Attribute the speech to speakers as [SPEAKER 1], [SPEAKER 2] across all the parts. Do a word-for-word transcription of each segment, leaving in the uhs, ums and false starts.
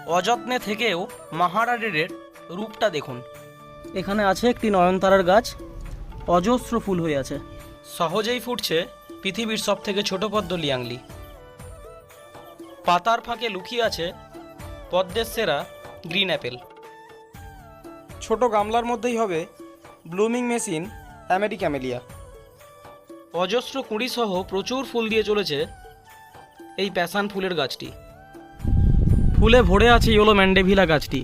[SPEAKER 1] অযত্নে থেকেও মাহারারের রূপটা দেখুন। এখানে আছে একটি নয়নতারার গাছ, অজস্র ফুল হয়ে আছে। সহজেই ফুটছে পৃথিবীর সব থেকে ছোট পদ্ম লিয়াংলি। পাতার ফাঁকে লুকিয়ে আছে পদ্মের সেরা গ্রিন অ্যাপেল। ছোট গামলার মধ্যেই হবে ব্লুমিং মেশিন আমেরিক্যামেলিয়া। অজস্র কুঁড়ি সহ প্রচুর ফুল দিয়ে চলেছে এই প্যাশান ফুলের গাছটি। ফুলে ভরে আছে ইয়েলো ম্যান্ডেভিলা গাছটি।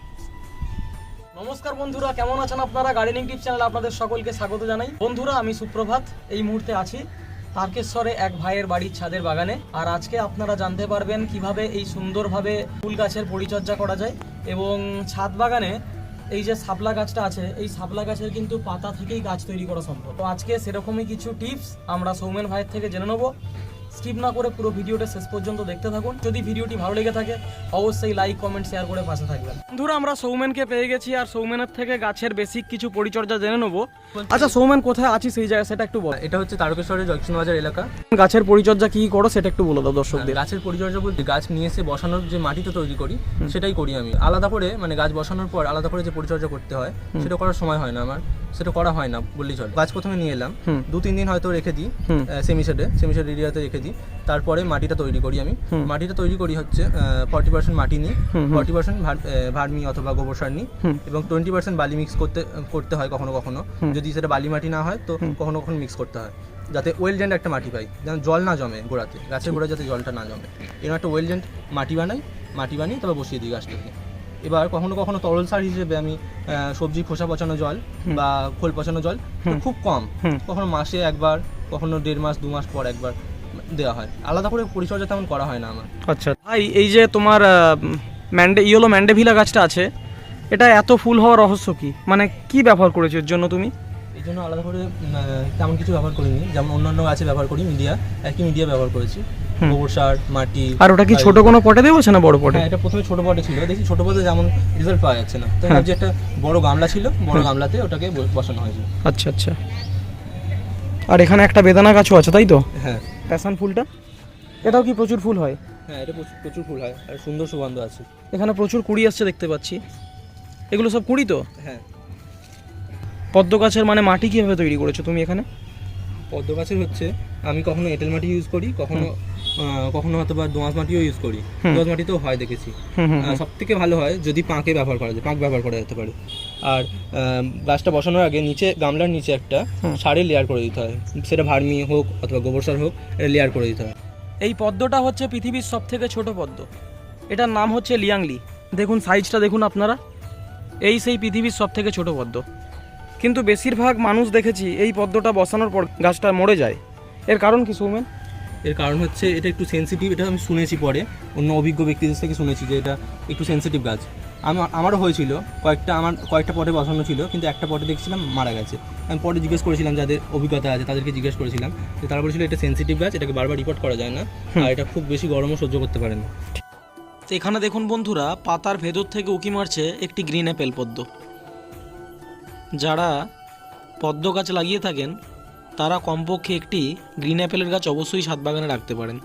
[SPEAKER 1] নমস্কার বন্ধুরা, কেমন আছেন আপনারা? গার্ডেনিং টিপস চ্যানেলে আপনাদের সকলকে স্বাগত জানাই। বন্ধুরা, আমি সুপ্রভাত। এই মুহূর্তে আছি তারকেশ্বরে এক ভাইয়ের বাড়ির ছাদের বাগানে। আর আজকে আপনারা জানতে পারবেন কিভাবে এই সুন্দরভাবে ফুল গাছের পরিচর্যা করা যায়। এবং ছাদ বাগানে এই যে শাপলা গাছটা আছে, এই শাপলা গাছের কিন্তু পাতা থেকেই গাছ তৈরি করা সম্ভব। তো আজকে সেরকমই কিছু টিপস আমরা সৌমেন ভাইয়ের থেকে জেনে নেবো। স্কিপ না করে পুরো ভিডিওটা শেষ পর্যন্ত দেখতে থাকুন। যদি ভিডিওটি ভালো লেগে থাকে অবশ্যই লাইক, কমেন্ট, শেয়ার করে পাশে থাকবেন। বন্ধুরা, আমরা সৌমেনকে পেয়ে গেছি আর সৌমেনের থেকে গাছের বেসিক কিছু পরিচর্যা জেনে নেবো। আচ্ছা সৌমেন, কোথায় আছি সেই জায়গা সেটা একটু বল।
[SPEAKER 2] এটা হচ্ছে তারকেশ্বরের জয়কৃষ্ণ বাজার এলাকা।
[SPEAKER 1] গাছের পরিচর্যা কি করো সেটা একটু বলে দাও দর্শকদের।
[SPEAKER 2] গাছের পরিচর্যা বলতে গাছ নিয়ে এসে বসানোর যে মাটিটা তৈরি করি সেটাই করি আমি। আলাদা করে মানে গাছ বসানোর পর আলাদা করে যে পরিচর্যা করতে হয় সেটা করার সময় হয় না আমার, সেটা করা হয় না বললেই চলে। গাছ প্রথমে নিয়ে এলাম, দু তিন দিন হয়তো রেখে দিই সেমিশেডে সেমিশেড এরিয়াতে রেখে দিই। তারপরে মাটিটা তৈরি করি আমি। মাটিটা তৈরি করি হচ্ছে ফর্টি পার্সেন্ট মাটি নিই, ফর্টি পার্সেন্ট ভার্মি অথবা গোবর সার নিই, এবং টোয়েন্টি পার্সেন্ট বালি মিক্স করতে করতে হয় কখনো কখনো। যদি সেটা বালি মাটি না হয় তো কখনো কখনো মিক্স করতে হয়, যাতে ওয়েল জেন্ট একটা মাটি পাই, যেন জল না জমে গোড়াতে, গাছের গোড়ায় যাতে জলটা না জমে। এরকম একটা ওয়েল জেন্ট মাটি বানাই, মাটি বানিয়ে তবে বসিয়ে দিই গাছটাকে। এবার কখনো কখনো তরল সার হিসেবে আমি সবজি খোসা পচানো জল বা খোল পচানো জল খুব কম, কখনো মাসে একবার, কখনো দেড় মাস দু মাস পর একবার দেওয়া হয়। আলাদা করে পরিচর্যা তেমন করা হয় না আমার।
[SPEAKER 1] আচ্ছা ভাই, এই যে তোমার ম্যান্ডে ইয়েলো ম্যান্ডেভিলা গাছটা আছে, এটা এত ফুল হওয়ার রহস্য কি? মানে কি ব্যবহার করেছো এর জন্য তুমি?
[SPEAKER 2] এই জন্য আলাদা করে তেমন কিছু ব্যবহার করিনি, যেমন অন্যান্য গাছে ব্যবহার করি মিডিয়া, একই মিডিয়া ব্যবহার করেছি, গোবর সার, মাটি।
[SPEAKER 1] আর ওটা কি ছোট কোনো পটে দেবো না বড় পটে?
[SPEAKER 2] হ্যাঁ, এটা প্রথমে ছোট পটে ছিল, দেখি ছোট পটে যেমন রেজাল্ট পাওয়া যাচ্ছে না, তো যে একটা বড় গামলা ছিল, বড় গামলাতে ওটাকে বসানো হয়েছে।
[SPEAKER 1] আচ্ছা আচ্ছা। আর এখানে একটা বেদানা গাছও আছে, তাই তো?
[SPEAKER 2] হ্যাঁ,
[SPEAKER 1] প্যাশন ফুলটা, এটাও কি প্রচুর ফুল হয়?
[SPEAKER 2] হ্যাঁ, এটা প্রচুর ফুল হয় আর সুন্দর সুগন্ধ আছে।
[SPEAKER 1] এখানে প্রচুর কুড়ি আসছে দেখতে পাচ্ছি। এগুলো সব কুড়ি তো?
[SPEAKER 2] হ্যাঁ।
[SPEAKER 1] পদ্ম গাছের মানে মাটি কীভাবে তৈরি করেছো তুমি এখানে?
[SPEAKER 2] পদ্ম গাছের হচ্ছে আমি কখনো এঁটেল মাটি ইউজ করি, কখনো কখনো হয়তো বা দোআঁশ মাটিও ইউজ করি। দোআঁশ মাটিতেও হয় দেখেছি। সব থেকে ভালো হয় যদি পাঁকে ব্যবহার করা যায়, পাঁক ব্যবহার করা যেতে পারে। আর গাছটা বসানোর আগে নিচে গামলার নিচে একটা সারের লেয়ার করে দিতে হয়, সেটা ভার্মি হোক অথবা গোবর সার হোক, এটা লেয়ার করে দিতে হয়।
[SPEAKER 1] এই পদ্মটা হচ্ছে পৃথিবীর সব থেকে ছোট পদ্ম, এটার নাম হচ্ছে লিয়াংলি। দেখুন সাইজটা দেখুন আপনারা, এই সেই পৃথিবীর সব থেকে ছোট পদ্ম। কিন্তু বেশিরভাগ মানুষ দেখেছি এই পদ্মটা বসানোর পর গাছটা মরে যায়। এর কারণ কি সৌমেন?
[SPEAKER 2] এর কারণ হচ্ছে এটা একটু সেন্সিটিভ, এটা আমি শুনেছি পরে অন্য অভিজ্ঞ ব্যক্তিদের থেকে শুনেছি যে এটা একটু সেন্সিটিভ গাছ। আমার আমারও হয়েছিল, কয়েকটা আমার কয়েকটা পটে বসানো ছিল, কিন্তু একটা পটে দেখছিলাম মারা গেছে। আমি পরে জিজ্ঞেস করেছিলাম যাদের অভিজ্ঞতা আছে তাদেরকে জিজ্ঞেস করেছিলাম, যে তারা বলেছিল এটা সেন্সিটিভ গাছ, এটাকে বারবার রিপোর্ট করা যায় না, আর এটা খুব বেশি গরমও সহ্য করতে পারে না।
[SPEAKER 1] এখানে দেখুন বন্ধুরা, পাতার ভেতর থেকে উকি মারছে একটি গ্রিন অ্যাপেল পদ্ম। যারা পদ্ম গাছ লাগিয়ে থাকেন তারা কমপক্ষে একটি গ্রিন অ্যাপেলের গাছ অবশ্যই ছাদ বাগানে রাখতে পারেন,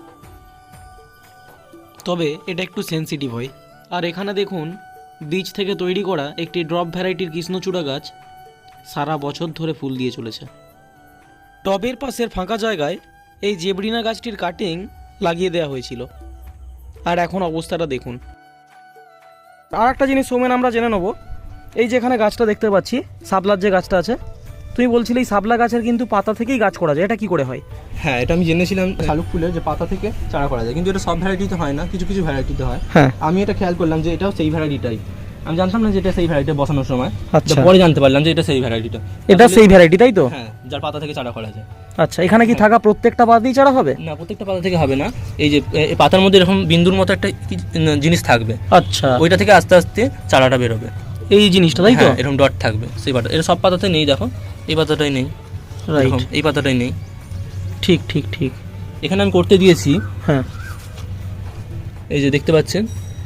[SPEAKER 1] তবে এটা একটু সেন্সিটিভ হয়। আর এখানে দেখুন বীজ থেকে তৈরি করা একটি ড্রপ ভ্যারাইটির কৃষ্ণচূড়া গাছ সারা বছর ধরে ফুল দিয়ে চলেছে। টবের পাশের ফাঁকা জায়গায় এই জেবরিনা গাছটির কাটিং লাগিয়ে দেওয়া হয়েছিল, আর এখন অবস্থাটা দেখুন। আর একটা জিনিস সৌমেন আমরা জেনে নেব, এই যে এখানে গাছটা দেখতে পাচ্ছি, শাপলার যে গাছটা আছে, তুমি বলছিলে এই শাপলা গাছের কিন্তু পাতা থেকেই গাছ করা যায়, এটা কি করে হয়?
[SPEAKER 2] হ্যাঁ, এটা আমি জেনেছিলাম শালুক ফুলের যে পাতা থেকে চারা করা যায়, কিন্তু এটা সব ভ্যারাইটিতে হয় না, কিছু কিছু ভ্যারাইটিতে হয়।
[SPEAKER 1] হ্যাঁ,
[SPEAKER 2] আমি এটা খেয়াল করলাম যে এটাও সেই ভ্যারাইটিটাই। আমি জানতাম না যে এটা সেই ভ্যারাইটি বসানোর সময়, আচ্ছা পরে জানতে পারলাম যে এটা সেই ভ্যারাইটিটা।
[SPEAKER 1] এটা সেই ভ্যারাইটি, তাই তো?
[SPEAKER 2] হ্যাঁ, যার পাতা থেকে চারা করা যায়।
[SPEAKER 1] আচ্ছা, এখানে কি থাকা প্রত্যেকটা পাতাতেই চারা হবে?
[SPEAKER 2] না, প্রত্যেকটা পাতা থেকে হবে না। এই যে পাতার মধ্যে এরকম বিন্দুর মতো একটা জিনিস থাকবে,
[SPEAKER 1] আচ্ছা,
[SPEAKER 2] ওইটা থেকে আস্তে আস্তে চারাটা বেরোবে।
[SPEAKER 1] এই জিনিসটা, তাই তো?
[SPEAKER 2] এরকম ডট থাকবে সেই পাতা। এটা সব পাতাতে নেই, দেখো এই পাতাটাই নেই, রাইট, এই পাতাটাই নেই।
[SPEAKER 1] ঠিক ঠিক ঠিক।
[SPEAKER 2] এখানে আমি করতে দিয়েছি,
[SPEAKER 1] হ্যাঁ,
[SPEAKER 2] এই যে দেখতে পাচ্ছেন।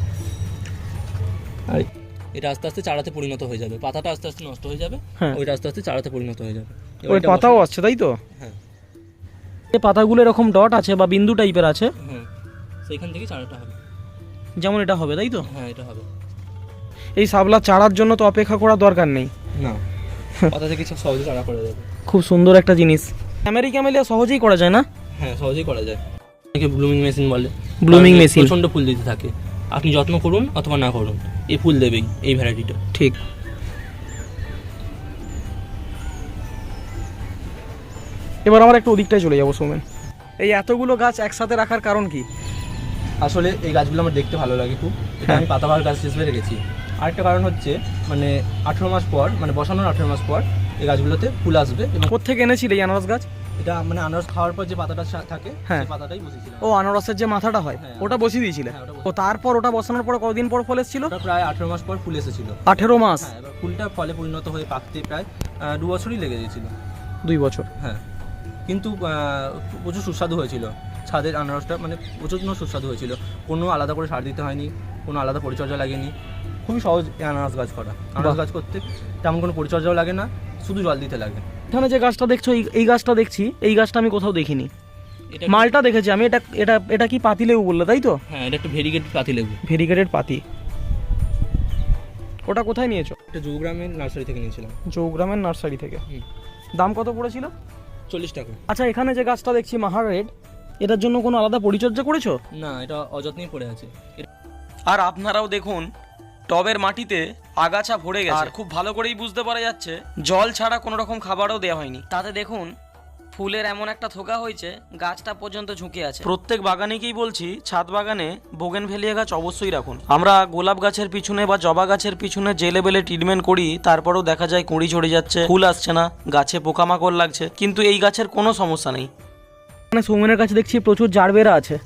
[SPEAKER 2] আর এটা আস্তে আস্তে চারাতে পরিণত হয়ে যাবে, পাতাটা আস্তে আস্তে নষ্ট হয়ে যাবে, ওইটা আস্তে আস্তে চারাতে পরিণত হয়ে যাবে।
[SPEAKER 1] ওই পাতাও আছে, তাই তো?
[SPEAKER 2] হ্যাঁ,
[SPEAKER 1] এই পাতাগুলো এরকম ডট আছে বা বিন্দু টাইপের আছে,
[SPEAKER 2] হ্যাঁ, সেইখান থেকে চারাটা হবে।
[SPEAKER 1] যেমন এটা হবে, তাই তো?
[SPEAKER 2] হ্যাঁ এটা হবে।
[SPEAKER 1] এই শাপলা চারার জন্য তো অপেক্ষা করার দরকার নেই।
[SPEAKER 2] না, কথা থেকে কিছু সহজে চারা করা যাবে।
[SPEAKER 1] খুব সুন্দর একটা জিনিস। আমেরিকা মেলিয়া সহজেই করা যায় না?
[SPEAKER 2] হ্যাঁ সহজেই করা যায়। একে ব্লুমিং মেশিন বলে।
[SPEAKER 1] Blooming machine.
[SPEAKER 2] প্রচণ্ড ফুল দিতে থাকে, আপনি যত্ন করুন অথবা না করুন এই ফুল দেবেই এই ভ্যারাইটিটা।
[SPEAKER 1] ঠিক। এবার আমরা একটু ওদিকটায় চলে যাবো সৌমেন। এই এতগুলো গাছ একসাথে রাখার কারণ কি?
[SPEAKER 2] আসলে এই গাছগুলো আমার দেখতে ভালো লাগে খুব, এটা
[SPEAKER 1] হ্যাঁ।
[SPEAKER 2] আমি পাতাবাহার গাছ হিসেবে রেখেছি। আরেকটা কারণ হচ্ছে মানে আঠেরো মাস পর, মানে বসানোর আঠেরো মাস পর এই গাছগুলোতে ফুল আসবে। এবং
[SPEAKER 1] কোত্থেকে এনেছিলে এই আনারস গাছ?
[SPEAKER 2] এটা মানে আনারস খাওয়ার পর যে পাতাটা সা- থাকে
[SPEAKER 1] হ্যাঁ।
[SPEAKER 2] সেই পাতাটাই বসেছিলাম।
[SPEAKER 1] ও আনারসের যে মাথাটা হয়
[SPEAKER 2] হ্যাঁ।
[SPEAKER 1] ওটা বসিয়ে দিয়েছিলে?
[SPEAKER 2] হ্যাঁ, ওটা
[SPEAKER 1] ও
[SPEAKER 2] বসিয়ে-
[SPEAKER 1] তারপর ওটা বসানোর পর কতদিন পর ফল এসেছিল?
[SPEAKER 2] ওটা প্রায় আঠেরো মাস পর ফুল এসেছিল।
[SPEAKER 1] আঠেরো মাস?
[SPEAKER 2] হ্যাঁ, এবার ফুলটা ফলে পরিণত হয়ে পাকতে প্রায় আহ, দু বছরই লেগে গিয়েছিল।
[SPEAKER 1] দুই বছর?
[SPEAKER 2] হ্যাঁ, কিন্তু আহ, প্রচুর সুস্বাদু হয়েছিল ছাদের আনারসটা, মানে প্রচুর সুস্বাদু হয়েছিল। কোনো আলাদা করে সার দিতে হয়নি, কোনো আলাদা পরিচর্যা লাগেনি। খুবই সহজ এই আনারস গাছ করা। আনারস গাছ করতে তেমন কোনো পরিচর্যাও লাগে না, শুধু জল দিতে লাগে।
[SPEAKER 1] এখানে যে গাছটা দেখছো, এই- এই গাছটা দেখছি, এই গাছটা আমি কোথাও দেখিনি।
[SPEAKER 2] এটা
[SPEAKER 1] মালটা দেখেছি আমি। এটা এটা এটা কি পাতিলেবু বললে, তাই তো?
[SPEAKER 2] হ্যাঁ, এটা একটা ভেরিগেট পাতিলেবু।
[SPEAKER 1] ভেরিগেটেড পাতি। ওটা কোথায় নিয়েছো?
[SPEAKER 2] এটা জৌগ্রামের নার্সারি থেকে নিয়েছিলাম।
[SPEAKER 1] চৌগ্রামের নার্সারি থেকে।
[SPEAKER 2] হুম।
[SPEAKER 1] দাম কত পড়েছিল?
[SPEAKER 2] চল্লিশ টাকা।
[SPEAKER 1] আচ্ছা, এখানে যে গাছটা দেখছি মাহার রেড, এটার জন্য কোনো আলাদা পরিচর্যা করেছো?
[SPEAKER 2] না, এটা অযত্নেই পড়ে আছে।
[SPEAKER 1] আর আপনারাও দেখুন টবের মাটিতে আগাছা ভরে গেছে, আর খুব ভালো করেই বুঝতে পারা যাচ্ছে জল ছাড়া কোনো রকম খাবারও দেওয়া হয়নি। তাতে দেখুন ফুলের এমন একটা থোকা হয়েছে, গাছটা পর্যন্ত ঝুঁকে আছে। প্রত্যেক বাগানেকেই বলছি ছাদ বাগানে বোগেনভেলিয়া গাছ অবশ্যই রাখুন। আমরা গোলাপ গাছের পিছনে বা জবা গাছের পিছনে যে লেভেলে ট্রিটমেন্ট করি, তারপরেও দেখা যায় কুঁড়ি ঝরে যাচ্ছে, ফুল আসছে না, গাছে পোকামাকড় লাগছে, কিন্তু এই গাছের কোনো সমস্যা নেই। মানে সৌমেনের কাছে দেখছি প্রচুর জারবেরা আছে।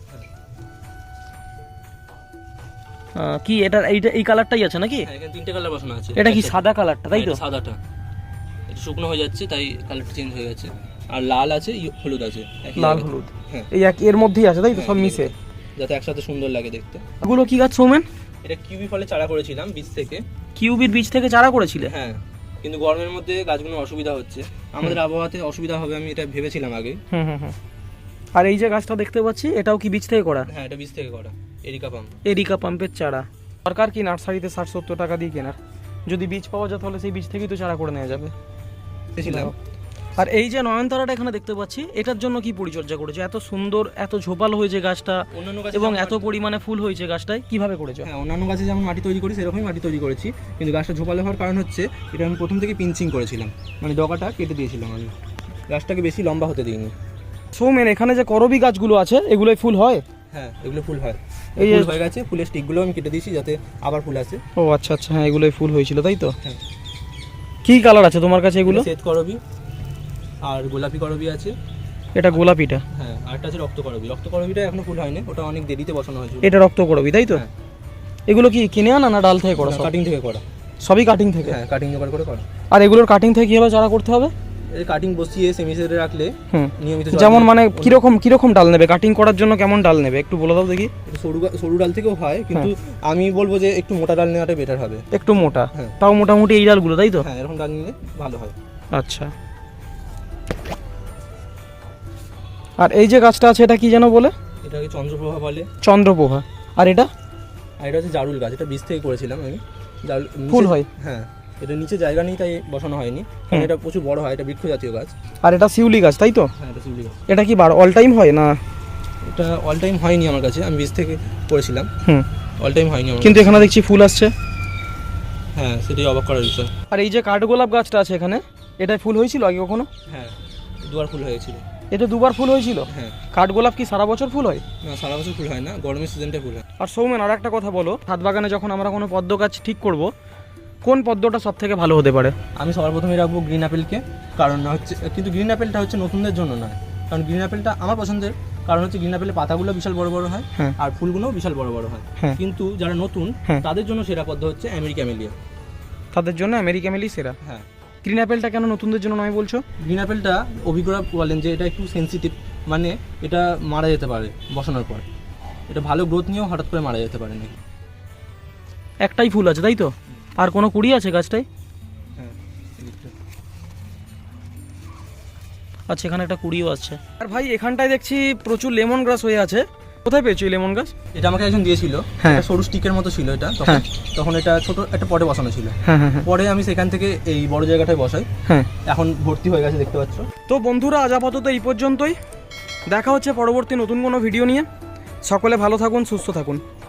[SPEAKER 1] আহ, কি এটা এইটা এই কালারটাই আছে নাকি?
[SPEAKER 2] হ্যাঁ, এখানে তিনটে কালার বসানো আছে।
[SPEAKER 1] এটা কি
[SPEAKER 2] একটা-
[SPEAKER 1] সাদা কালারটা, তাই তো?
[SPEAKER 2] এটা সাদাটা, এটা শুকনো হয়ে যাচ্ছে তাই কালারটা চেঞ্জ হয়ে গেছে। আর লাল আছে, ই- হলুদ আছে, একই
[SPEAKER 1] লাল
[SPEAKER 2] জায়গায়।
[SPEAKER 1] হলুদ
[SPEAKER 2] হ্যাঁ,
[SPEAKER 1] এই এক এর মধ্যেই আছে, তাই তো?
[SPEAKER 2] হ্যাঁ,
[SPEAKER 1] সব
[SPEAKER 2] একই
[SPEAKER 1] মিশে।
[SPEAKER 2] জায়গায়। যাতে একসাথে সুন্দর লাগে দেখতে।
[SPEAKER 1] এগুলো কি গাছ সৌমেন?
[SPEAKER 2] এটা কিউবি ফলে চারা করেছিলাম বীজ থেকে।
[SPEAKER 1] কিউবির বীজ থেকে চারা করেছিলে?
[SPEAKER 2] হ্যাঁ, কিন্তু গরমের মধ্যে গাছগুলোর অসুবিধা হচ্ছে, আমাদের আবহাওয়াতে অসুবিধা হবে আমি এটা ভেবেছিলাম আগে।
[SPEAKER 1] হুম হুম হুম। আর এই যে গাছটা দেখতে পাচ্ছি, এটাও কি বীজ থেকে করা?
[SPEAKER 2] হ্যাঁ, এটা বীজ থেকে করা, এরিকা পাম।
[SPEAKER 1] এরিকা পাম্পের চারা। সরকার কি নার্সারিতে ষাট সত্তর টাকা দিয়ে কেনার, যদি বীজ পাওয়া যায় তাহলে সেই বীজ থেকেই তো চারা করে নেওয়া যাবে।
[SPEAKER 2] ছিলাম।
[SPEAKER 1] আর এই যে নয়নতারাটা এখানে দেখতে পাচ্ছি, এটার জন্য কি পরিচর্যা করেছো? এত সুন্দর, এত ঝোপাল হয়েছে গাছটা
[SPEAKER 2] অন্যান্য গাছে
[SPEAKER 1] এবং
[SPEAKER 2] যেমন
[SPEAKER 1] এত পরিমাণে ফুল হয়েছে গাছটায়, কিভাবে করেছো?
[SPEAKER 2] হ্যাঁ, অন্যান্য গাছে যেমন মাটি তৈরি করি সেরকমই মাটি তৈরি করেছি, কিন্তু গাছটা ঝোপালো হওয়ার কারণ হচ্ছে এটা আমি প্রথম থেকে পিঞ্চিং করেছিলাম, মানে ডগাটা কেটে দিয়েছিলাম আমি, গাছটাকে বেশি লম্বা হতে দিইনি।
[SPEAKER 1] সৌমেন, এখানে যে করবি গাছগুলো আছে এগুলোই ফুল হয়?
[SPEAKER 2] হ্যাঁ, এগুলো ফুল হয়।
[SPEAKER 1] এই
[SPEAKER 2] এই
[SPEAKER 1] যে-
[SPEAKER 2] ফুল হয়ে গেছে, ফুলের স্টিকগুলো আমি কেটে দিয়েছি যাতে আবার ফুল আসে।
[SPEAKER 1] ও আচ্ছা আচ্ছা, হ্যাঁ এগুলোই ফুল হয়েছিল, তাই তো?
[SPEAKER 2] হ্যাঁ।
[SPEAKER 1] কি কালার আছে তোমার কাছে এগুলো?
[SPEAKER 2] শ্বেত করবি আর গোলাপি করবি আছে।
[SPEAKER 1] এটা গোলাপিটা?
[SPEAKER 2] হ্যাঁ, আরটা আছে রক্ত করবি। রক্ত করবিটা এখনো ফুল হয়নি, ওটা অনেক দেরিতে বসানো হয়েছিল।
[SPEAKER 1] এটা রক্ত করবি, তাই তো?
[SPEAKER 2] হ্যাঁ।
[SPEAKER 1] এগুলো কি কিনে আনা না ডাল থেকে করা? সব
[SPEAKER 2] কাটিং থেকে করা।
[SPEAKER 1] সবই কাটিং থেকে?
[SPEAKER 2] হ্যাঁ, কাটিং জোগাড় করে করা।
[SPEAKER 1] আর এগুলোর কাটিং থেকে কিভাবে চারা করতে হবে?
[SPEAKER 2] এই কাটিং বসিয়ে সেমি সেটে রাখলে
[SPEAKER 1] হুম।
[SPEAKER 2] নিয়মিত
[SPEAKER 1] যেমন মানে কিরকম কিরকম ডাল নেবে কাটিং করার জন্য? কেমন ডাল নেবে একটু বলে দাও দেখি।
[SPEAKER 2] একটু সরু গা- সরু ডাল থেকেও হয়, কিন্তু আমি বলবো যে একটু মোটা ডাল নেওয়াটা বেটার হবে।
[SPEAKER 1] একটু মোটা?
[SPEAKER 2] হ্যাঁ।
[SPEAKER 1] তাও মোটামুটি এই ডালগুলো, তাই তো?
[SPEAKER 2] হ্যাঁ, এরকম ডাল নিলে ভালো হয়।
[SPEAKER 1] আচ্ছা। আর এই যে গাছটা আছে এটা কি যেন বলে?
[SPEAKER 2] এটাকে চন্দ্রপ্রভা বলে।
[SPEAKER 1] চন্দ্রপোহা। আর এটা?
[SPEAKER 2] আর এটা হচ্ছে জারুল গাছ, এটা বীজ থেকে করেছিলাম আমি। জারুল নিচে-
[SPEAKER 1] ফুল হয়?
[SPEAKER 2] হ্যাঁ, এটা নিচে জায়গা নেই তাই বসানো হয়নি, কারণ এটা প্রচুর বড় হয়, এটা বৃক্ষ জাতীয় গাছ।
[SPEAKER 1] আর এটা শিউলি গাছ, তাই তো?
[SPEAKER 2] হ্যাঁ, এটা শিউলি গাছ।
[SPEAKER 1] এটা কি বার অল টাইম হয় না?
[SPEAKER 2] এটা অল টাইম হয়নি আমার কাছে, আমি বীজ থেকে করেছিলাম,
[SPEAKER 1] হুম।
[SPEAKER 2] অল টাইম হয়নি আমার
[SPEAKER 1] কিন্তু এখানে দেখছি ফুল আসছে।
[SPEAKER 2] কাছে। হ্যাঁ, সেটাই অবাক করার বিষয়।
[SPEAKER 1] আর এই যে কাঠগোলাপ গাছটা আছে এখানে, এটায় ফুল হয়েছিল আগে কখনো?
[SPEAKER 2] হ্যাঁ, দুবার ফুল হয়েছিল।
[SPEAKER 1] এটা দুবার ফুল হয়েছিল?
[SPEAKER 2] হ্যাঁ।
[SPEAKER 1] কাঠগোলাপ কি সারা বছর ফুল হয়?
[SPEAKER 2] না, সারা বছর ফুল হয় না, গরমের সিজনটা ফুল হয়।
[SPEAKER 1] আর সৌমেন, আর একটা কথা বলো, ছাদ বাগানে যখন আমরা কোনো পদ্ম গাছ ঠিক করব, কোন পদ্মটা সব থেকে ভালো হতে পারে?
[SPEAKER 2] আমি সবার প্রথমে রাখবো গ্রিন অ্যাপেলকে, কারণ হচ্ছে, কিন্তু গ্রিন অ্যাপেলটা হচ্ছে নতুনদের জন্য নয়, কারণ গ্রিন অ্যাপেলটা আমার পছন্দের কারণ হচ্ছে গ্রিন অ্যাপেলের পাতাগুলো বিশাল বড় বড় হয়,
[SPEAKER 1] হ্যাঁ।
[SPEAKER 2] আর ফুলগুলোও বিশাল বড় বড় হয়।
[SPEAKER 1] হ্যাঁ।
[SPEAKER 2] কিন্তু যারা নতুন
[SPEAKER 1] হ্যাঁ।
[SPEAKER 2] তাদের জন্য সেরা পদ্ম হচ্ছে আমেরিকা মেলিয়া।
[SPEAKER 1] তাদের জন্য আমেরিকা মেলি সেরা।
[SPEAKER 2] হ্যাঁ।
[SPEAKER 1] গ্রিন অ্যাপেলটা কেন নতুনদের জন্য নয় বলছো?
[SPEAKER 2] গ্রিন অ্যাপেলটা অভিজ্ঞরা বলেন যে এটা একটু সেনসিটিভ, মানে এটা মারা যেতে পারে বসানোর পর, এটা ভালো গ্রোথ নিয়েও হঠাৎ করে মারা যেতে পারে না।
[SPEAKER 1] একটাই ফুল আছে, তাই তো? আর কোনো কুড়ি আছে গাছটায়?
[SPEAKER 2] হ্যাঁ, এদিকটা।
[SPEAKER 1] আচ্ছা, এখানে একটা কুড়িও আছে। আর ভাই এখানটায় দেখছি প্রচুর লেমন গ্রাস হয়ে আছে, কোথায় পেয়েছো এই লেমন গাছ?
[SPEAKER 2] এটা আমাকে একজন দিয়েছিল,
[SPEAKER 1] হ্যাঁ।
[SPEAKER 2] একটা সরু স্টিকের মতো ছিল এটা তখন।
[SPEAKER 1] হ্যাঁ।
[SPEAKER 2] তখন এটা ছোট একটা পটে বসানো ছিল।
[SPEAKER 1] হ্যাঁ হ্যাঁ হ্যাঁ
[SPEAKER 2] পরে আমি সেখান থেকে এই বড় জায়গাটায় বসাই।
[SPEAKER 1] হ্যাঁ।
[SPEAKER 2] এখন ভর্তি হয়ে গেছে, দেখতে পাচ্ছ।
[SPEAKER 1] তো বন্ধুরা, আজ আপাতত এই পর্যন্তই। দেখা হচ্ছে পরবর্তী নতুন কোনো ভিডিও নিয়ে। সকলে ভালো থাকুন, সুস্থ থাকুন।